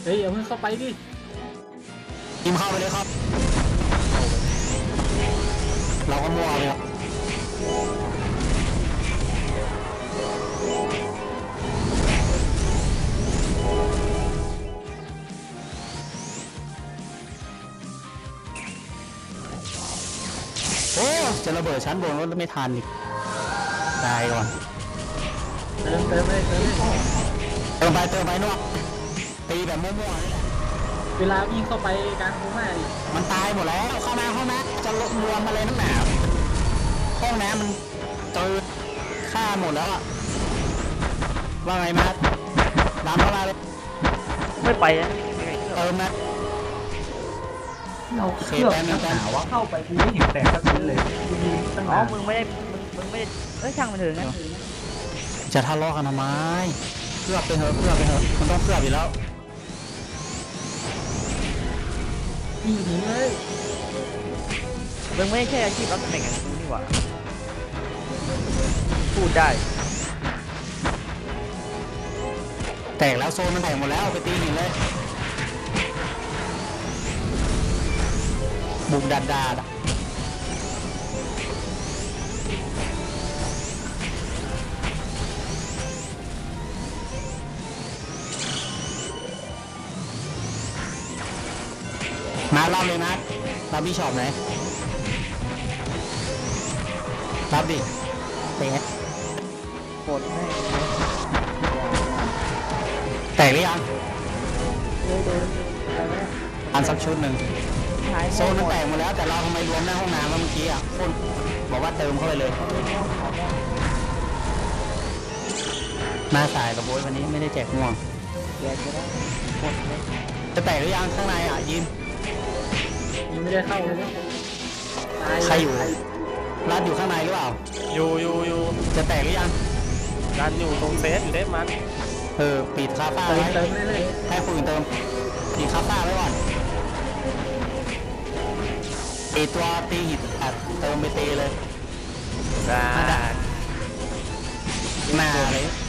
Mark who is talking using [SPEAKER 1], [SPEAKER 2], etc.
[SPEAKER 1] เฮ้ยอย่าเพิ่งเข้าไปดิ
[SPEAKER 2] ทีมเข้าไปเลยครับเราก็มัวเลยครับโอ้จะระเบิดชั้นบนรถไม่ทันอีกตายก่อน
[SPEAKER 1] เติมเลย
[SPEAKER 2] เติมไปนวดตีแบบมั่วๆนี่แหละ
[SPEAKER 1] เวลาวิ่งเข้าไปกลางโค้งดิ
[SPEAKER 2] มันตายหมดแล้วเข้ามาจะลดรวมอะไรนักหนาห้องน้ำมันเจอฆ่าหมดแล้วอะว่าไงมาดำเข้ามาเลย
[SPEAKER 3] ไม่ไปนะ
[SPEAKER 2] เติมนะ
[SPEAKER 1] เราเครื่องนักหนาว่าเข้าไปกูไม่เห็นแตกสักชิ้นเลย
[SPEAKER 3] อ๋อมึงไม่ได้ช่างมันเถอะงั้น
[SPEAKER 2] จะทะเลาะกันทำไมเพื่อไปเถอะมันต้องเพื่ออยู่แล้ว
[SPEAKER 1] ยิงหนีเลย
[SPEAKER 3] มึงไม่ใช่อาชีพรับตำแหน่งอย่างกูนี่หว่าพูดได้
[SPEAKER 2] แตกแล้วโซนมันแตกหมดแล้วไปตีหินเลยบุกดามารับเลยนะรับพี่ชอบไหนรับดิเป็นไง
[SPEAKER 3] โคตรแม่
[SPEAKER 2] แตกหรือยังอันสักชุดหนึ่งโซนมันแตกหมดแล้วแต่เราทำไมรวมหน้าห้องน้ำเมื่อกี้อ่ะคนบอกว่าเติมเข้าไปเลยมาสายกับโบยวันนี้ไม่ได้แจกม่วงจะแตกหรือยังข้างในอ่ะยิน
[SPEAKER 1] ยังไม่ได้เข้าเลย
[SPEAKER 2] ใครอยู่รัดอยู่ข้างในหรือเปล่า
[SPEAKER 4] อยู่
[SPEAKER 2] จะแตกหรือยัง
[SPEAKER 4] รันอยู่ตรงเซฟอยู่ได้มัน
[SPEAKER 2] ปิดคาฟ้าไว้ให้คนอื่นเติมปิดคาฟ้าไว้ก่อนตัวตีหินเติมไปตีเลย
[SPEAKER 4] ได้
[SPEAKER 2] มาเลย